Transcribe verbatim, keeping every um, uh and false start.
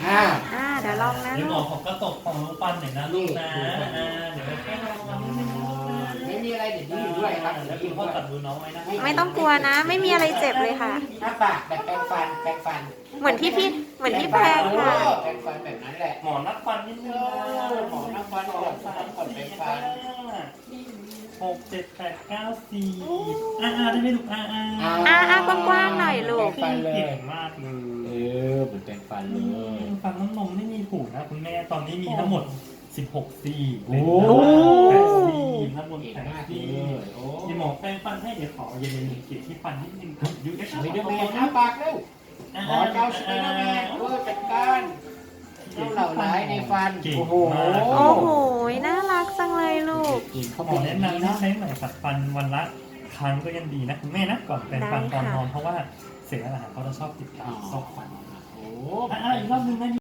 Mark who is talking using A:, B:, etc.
A: อ่า
B: อ่าเดี๋ยวลองนะ
C: เดี๋ยวหม
B: ลู
C: อก ขอกระตกของลูกปันหน่อยนะลูกนะอ่าเดี๋ยวแค่ลองทำนิดนึงนะลูกนะ
A: ไม่มีอะไรเดี๋ยวนี้อยู่ด้วยครับ
C: แล้
A: แล้ว ว
C: คุ
A: กิ
C: ณ
A: น
C: พ่อ
A: ด้วย
C: จับมือน้องไว้นะ
B: ไม่ต้องกลัวนะ ไม่มีอะไรเจ็บเลยค่ะ
A: หน้าปากแบบแปรงฟันแปรงฟัน
B: เหมือนที่พี่เหมือนที่แพงค่ะ
A: เออแปรงฟันแบบนั้นแหละ
C: หมอนักฟันนิดนึงนะ
A: หมอนักฟันก่อนฟันก่อนแปรงฟัน
C: หกเจ็ดแปดเก้าสี่อ่าอ่าได้ไหมลูกอ่าอ่า
B: อ่าอ่ากว้างๆหน่อยลูก
A: แปรงฟันเลย
C: เก่งมากเล
A: เอย อเหมือนแปรงฟันเลย
C: ฟันน้ำนมไม่มีถูกนะคุณแม่ตอนนี้มีทั้งหมดสิบหกซี่
A: โอ้
C: แปดซี่น้ำนม
A: เก่ง
C: แปด
A: มากเล
C: ซี่
A: ยโอ้
C: ยีหมอแปรงฟันให้เดี๋ยวขอเย็นเย็นเกลี่ยที่ฟันนิดนึงยูเอช
A: สไปเดอร์แมนอ้าปากเร็วขอเจ้าสไปเดอร์แมนเออจัดการเจ้าเหล่าร้ายในฟัน
C: เก่ง
A: โอ้โห
C: มาก
B: โอ้โห น่ารักจังเลยลูก
A: กินเขา
C: หม
A: เป็
C: อน
A: อ
C: แนะ
A: ย่างนี้
C: นำให้
A: เนาะ
C: ใช้ไหมขัดฟันวันละครั้งก็ยังดีนะคุณแม่นะก่อนแปรงฟันตอนนอนเพราะว่าเศษอาหารเขาจะชอบติดตามซอกฟัน
A: โอ้
C: อ่าอีกรอบนึงนะ